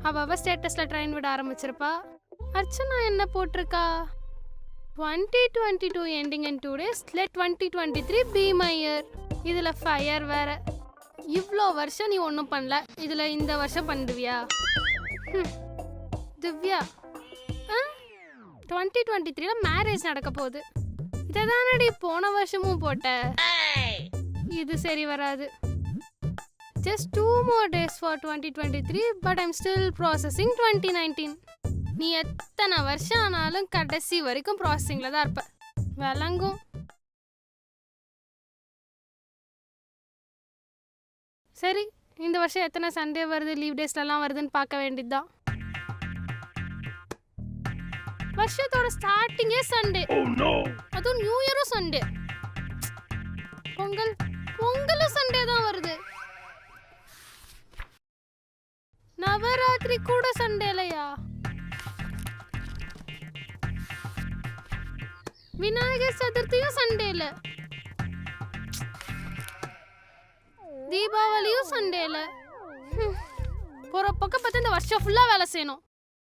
அவ ஸ்டேட்டஸ்ல ட்ரெயின் விட ஆரம்பிச்சிருப்பா. அர்ச்சனா என்ன போட்டிருக்கா? 2022 ending in 2 days, let 2023 be my year. இதுல ஃபயர் வேற. இவ்வளோ வருஷம் நீ ஒன்றும் பண்ணல, இதுல இந்த வருஷம் பண்ணுவியா? திவ்யா 2023ல மேரேஜ் நடக்க போகுது. இதைதானடி போன வருஷமும் போட்ட. இது சரி வராது. Just 2 more days for 2023, but I'm still processing 2019. நீ எத்தனை வருஷம் ஆனாலும் கடைசி வரைக்கும் ப்ராசஸிங்ல தான் இருப்ப. விளங்கும். சரி, இந்த வருஷம் எத்தனை சண்டே வருது, லீவ் டேஸ்லாம் வருதுன்னு பார்க்க வேண்டியதுதான். வருஷத்தோட ஸ்டார்டிங்கே சண்டே. அதுவும் நியூ இயரும் சண்டே. பொங்கலும் சண்டே தான் வருது. நவராத்திரி கூட சண்டேலையா? விநாயகர் சதுர்த்தியும் சண்டேல, தீபாவளியும் சண்டேல. போற பக்கம் பார்த்து இந்த வருஷம் ஃபுல்லா வேலை செய்யணும்.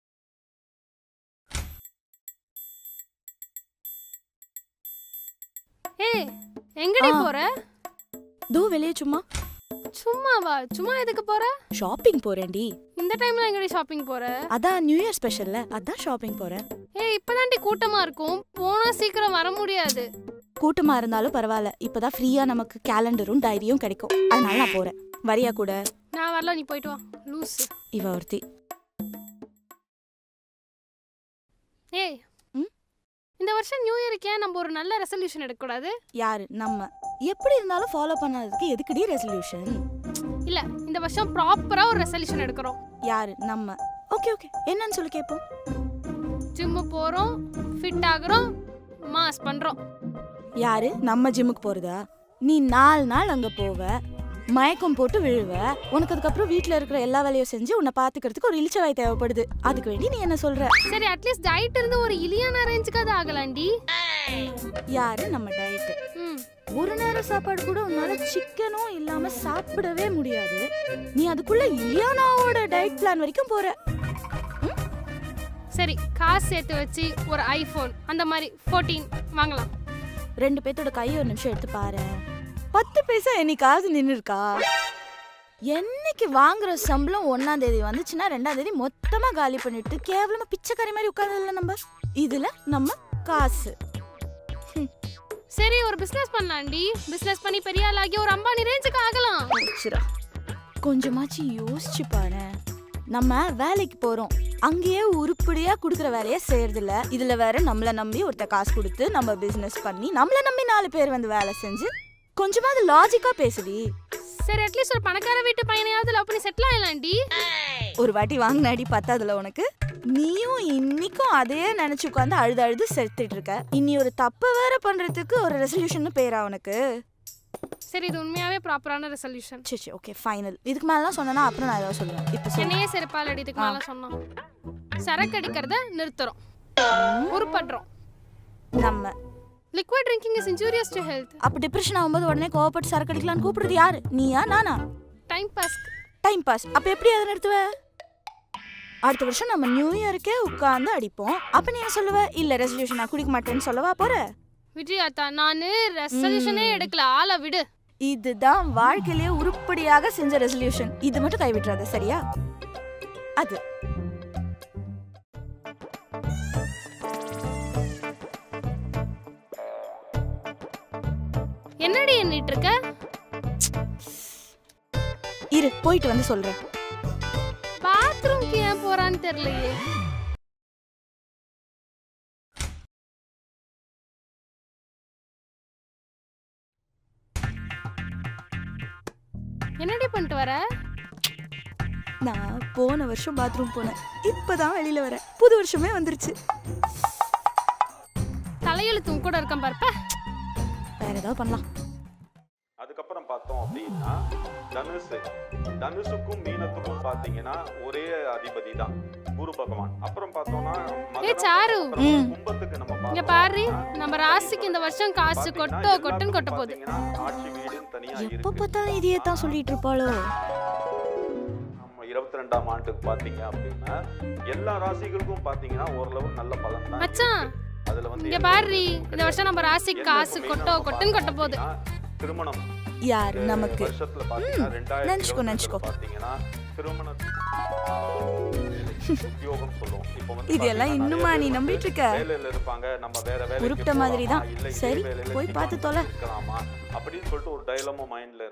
ஏய், எங்கடி போற? தோ வெளியே சும்மா. சும்மாவா? சும்மா எதுக்கு போற? ஷாப்பிங் போறேன்டி. இந்த டைம்ல எங்கடி ஷாப்பிங் போற? அதான் நியூ இயர் ஸ்பெஷல்ல, அதான் ஷாப்பிங் போறேன். ஏய், இப்பதான்டி கூட்டமா இருக்கும், போனா சீக்கிரம் வர முடியாது. கூட்டமா இருந்தாலும் பரவாயில்ல, இப்பதான் ஃப்ரீயா நமக்கு கேலண்டரும் டைரியும் கிடைக்கும், அதனால நான் போறேன். வரியா கூட? நான் வரல, நீ போயிட்டு வா. லூஸ் இவ ஒருத்தி. ஏய், இந்த வருஷம் நியூ இயருக்கு ஏன் நம்ம ஒரு நல்ல ரெசல்யூஷன் எடுக்க கூடாது? யாரு? நம்ம எப்படி இருந்தாலும் ஃபாலோ பண்ணாததுக்கு எதுக்குடி ரெசல்யூஷன்? இல்ல, இந்த வருஷம் ப்ராப்பரா ஒரு ரெசல்யூஷன் எடுக்கிறோம். யாரு? நம்ம. ஓகே ஓகே, என்னன்னு சொல்லி கேட்போம். ஜிம்மு போறோம், ஃபிட் ஆகுறோம், மாஸ் பண்றோம். யாரு? நம்ம ஜிம்முக்கு போறதா? நீ 4 நாள் அங்க போவ, மயக்கம் போட்டு விழுவ, உனக்கு அதுக்கப்புறம் வீட்டுல இருக்கிற எல்லா வேலையும் செஞ்சு உன்னை பாத்துக்கிறதுக்கு ஒரு இளிச்சவாய் தேவைப்படுது. அதுக்கு வேண்டி நீ என்ன சொல்ற? சரி, அட்லீஸ்ட் டயட் இருந்து ஒரு இலியானா ரேஞ்சுக்கு அது ஆகலாண்டி. யாரு? நம்ம டயட். ஒரு நேரம் சாப்பாடு கூட உன்னால சிக்கனும் இல்லாம சாப்பிடவே முடியாது. நீ அதுக்குள்ள இலியானாவோட டயட் பிளான் வரைக்கும் போற. சரி, காசு சேர்த்து வச்சு ஒரு ஐபோன் அந்த மாதிரி 14 வாங்கலாம். 2 பேத்தோட கையை ஒரு நிமிஷம் எடுத்து பாரு. 10 பைசா என்னைக்காவது நின்று இருக்கா? என்னைக்கு வாங்குற சம்பளம் 1ஆம் தேதி வந்துச்சுன்னா 2ஆம் தேதி மொத்தமா காலி பண்ணிட்டு கேவலமா பிச்சைக்காரி மாதிரி உட்கார்ந்ததுல நம்ம. இதுல நம்ம காசு. சரி, ஒரு பிசினஸ் பண்ணலாம்டி. பிசினஸ் பண்ணி பெரிய ஆளாகி ஒரு அம்பானி ரேஞ்சுக்கு ஆகலாம். கொஞ்சமாச்சு யோசிச்சு பாரு. நம்ம வேலைக்கு போறோம், அங்கேயே உருப்படியா குடுக்குற வேலையை செய்யறது இல்ல. இதுல வேற நம்மள நம்பி ஒருத்த காசு கொடுத்து நம்ம பிசினஸ் பண்ணி நம்மள நம்பி 4 பேர் வந்து வேலை செஞ்சு கொஞ்சமாவது லாஜிக்கா பேசுடி. சரி, அட்லீஸ்ட் ஒரு பணக்கார வீட்டு பையனையாவது லவ் பண்ணி செட்டில் ஆயிடலாம்டி. ஒரு வாட்டி வாங்கினாடி பத்தாதுல உனக்கு. நீயும் இன்னைக்கும் அதே நினைச்சு உட்காந்து அழுது செத்துட்டு இருக்க. இனி ஒரு தப்பு வேற பண்றதுக்கு ஒரு ரெசல்யூஷன் பேரா உனக்கு? சரி, இது உண்மையாவே ப்ராப்பரான ரெசல்யூஷன். சரி ஓகே, ஃபைனல். இதுக்கு மேலாம் சொன்னா அப்புறம் நான் ஏதாவது சொல்லுவேன். இப்போ என்னையே செருப்பால் அடி. இதுக்கு மேல சொன்னோம் சரக்கு அடிக்கிறத நிறுத்துறோம், உருப்படுறோம். நம்ம liquid drinking is injurious to health. அப்ப டிப்ரெஷன் ஆகும்போது உடனே கோவப்பட்டு சரக்கு அடிக்கலாம்னு கூப்பிடுறது யாரு? நீயா நானா? Time pass. Time pass. அப்ப எப்படி அதை நிறுத்துவ? அடுத்த வருஷம் நம்ம நியூ இயருக்கே உட்கார்ந்து அடிப்போம். அப்ப நீ என்ன சொல்லுவ? இல்ல ரெசல்யூஷன் நான் குடிக்க மாட்டேன்னு சொல்லவா போற? விஜயாத்தா, நானு ரெசல்யூஷனே எடுக்கல, ஆள விடு. இதுதான் வாழ்க்கையிலே உருப்படியாக செஞ்ச ரெசல்யூஷன். இது மட்டும் கைவிட்றாத, சரியா? அது என்னடி எண்ணிட்டு இருக்க? இரு, போயிட்டு வந்து சொல்றேன். பாத்ரூம்க்கு ஏன் போறான்னு தெரியலையே. என்னடி பண்ணிட்டு வர? நான் போன வருஷம் பாத்ரூம் போனேன், இப்பதான் வெளியில வரேன். புது வருஷமே வந்துருச்சு. தலையெழுத்தும் கூட இருக்க பாருப்ப. வேற ஏதாவது பண்ணலாம். அதுக்கப்புறம் பார்த்தோம் அப்படின்னா தனுசுக்கும் மீனத்துக்கும் பாத்தீங்கன்னா ஒரே அதிபதி தான், குரு பகவான். அப்புறம் பார்த்தோம்னா கும்பத்துக்கு நம்ம இங்க பாரு, நம்ம ராசிக்கு இந்த வருஷம் காசு கொட்டுன்னு கொட்ட போகுது. ஆட்சி வீடுன்னு தனியா எப்ப பார்த்தாலும் இதையே தான் சொல்லிட்டு இருப்பாளோ. 22ஆம் ஆண்டுக்கு பாத்தீங்க அப்படின்னா எல்லா ராசிகளுக்கும் பாத்தீங்கன்னா ஓரளவு நல்ல பலன் தான் மச்சான் அதுல வந்து இங்க பாரு இந்த வருஷம் நம்ம ராசிக்கு காசு கொட்டுன்னு கொட்ட போகுது. திருமணம் யாரு நமக்கு வருஷத்துல பாத்தீங்கன்னா நினைச்சுக்கோ. 2022 பாத்தீங்கன்னா திருமண உத்தியோகம் சொல்லுவோம். இப்போ வந்து இதெல்லாம் இன்னுமா நீ நம்பிட்டு இருக்க? வேலையில இருப்பாங்க, நம்ம வேற வேலைக்கு உருப்பிட்ட மாதிரி தான். போலாமா, இல்ல இதே சரி, வேலையில போய் பார்த்து தொலை. இருக்கலாமா அப்படின்னு சொல்லிட்டு ஒரு டைலமா மைண்ட்ல